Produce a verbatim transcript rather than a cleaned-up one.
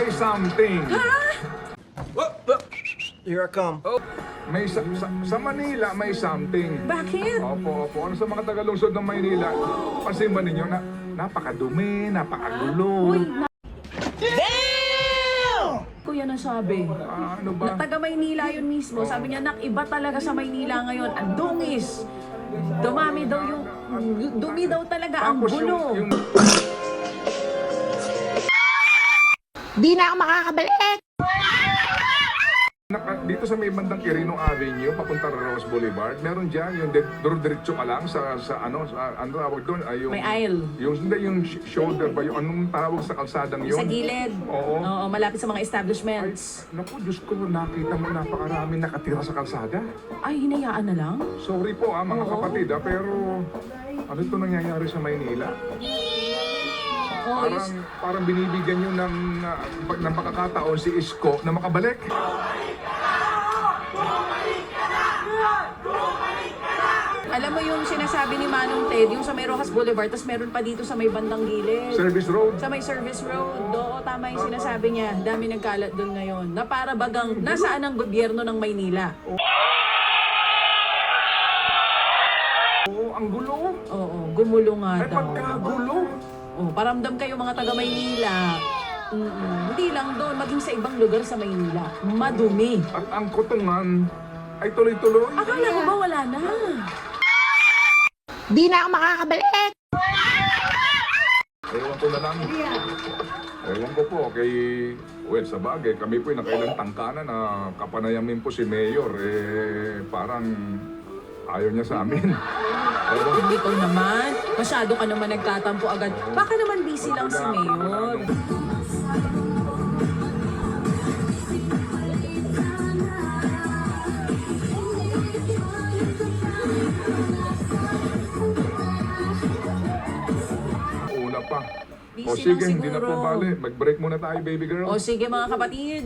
may something. Oh, oh. Here I come. Oh, may sa, sa, sa Manila may something. Bakit? Opo, opo. Ano sa mga tagalungsod ng Maynila? Pansin ba ninyo na napakadumi, napakagulo. Uy, na- Kuya nasabi. Ah, ano Na ba? taga Maynila yun mismo. Sabi niya, nak, iba talaga sa Maynila ngayon. Ang dungis. Dumami daw yung... Dumi daw talaga ang Tapos gulo. yung, yung Di na ako makakabalik! naka, dito sa may bandang Quirino Avenue, papunta Rose Boulevard, meron dyan yung de, diretso ka lang sa, sa ano, sa, ano tawag doon? Ay, yung, May aisle. Yung, hindi, yung sh- shoulder ba? Yung anong tawag sa kalsadang yun? Sa gilid. Oo. Oo, malapit sa mga Ay, establishments. naku, Diyos ko, nakita mo napakarami nakatira sa kalsada. Ay, hinayaan na lang? Sorry po ah, mga Oo. kapatid ah, pero ano ito nangyayari sa Maynila? Oo, Parang, is- parang binibigyan nyo ng, uh, pag- ng pagkakataon si Isko na makabalik. Alam mo yung sinasabi ni Manong Ted, yung sa may Rojas Boulevard, tapos meron pa dito sa may bandang gilid. Service Road. Sa may service road, oo, tama yung sinasabi niya. Dami nagkalat doon ngayon. Na para bagang nasaan ang gobyerno ng Maynila. Oo, ang gulo. Oo, gumulo nga Ay, daw. pagkagulo. Oh, paramdam kayo mga taga Maynila. Mm-mm. Hindi lang doon, maging sa ibang lugar sa Maynila. Madumi. At ang kutungan ay tuloy-tuloy. Akala ko ba wala na? Di na ako makakabalik! Ewan ko na lang. Ewan ko po kay... Well, sa bagay, kami po yung nakailang tangkana na kapanayamin po si Mayor. Eh, parang ayaw niya sa amin. Ewan ko. Hindi ko naman. Masyado ka naman nagtatampo agad. Baka naman busy lang si Mayor. Una pa. Busy O sige, lang hindi na po siguro. bali. Mag-break muna tayo, baby girl. O sige mga kapatid.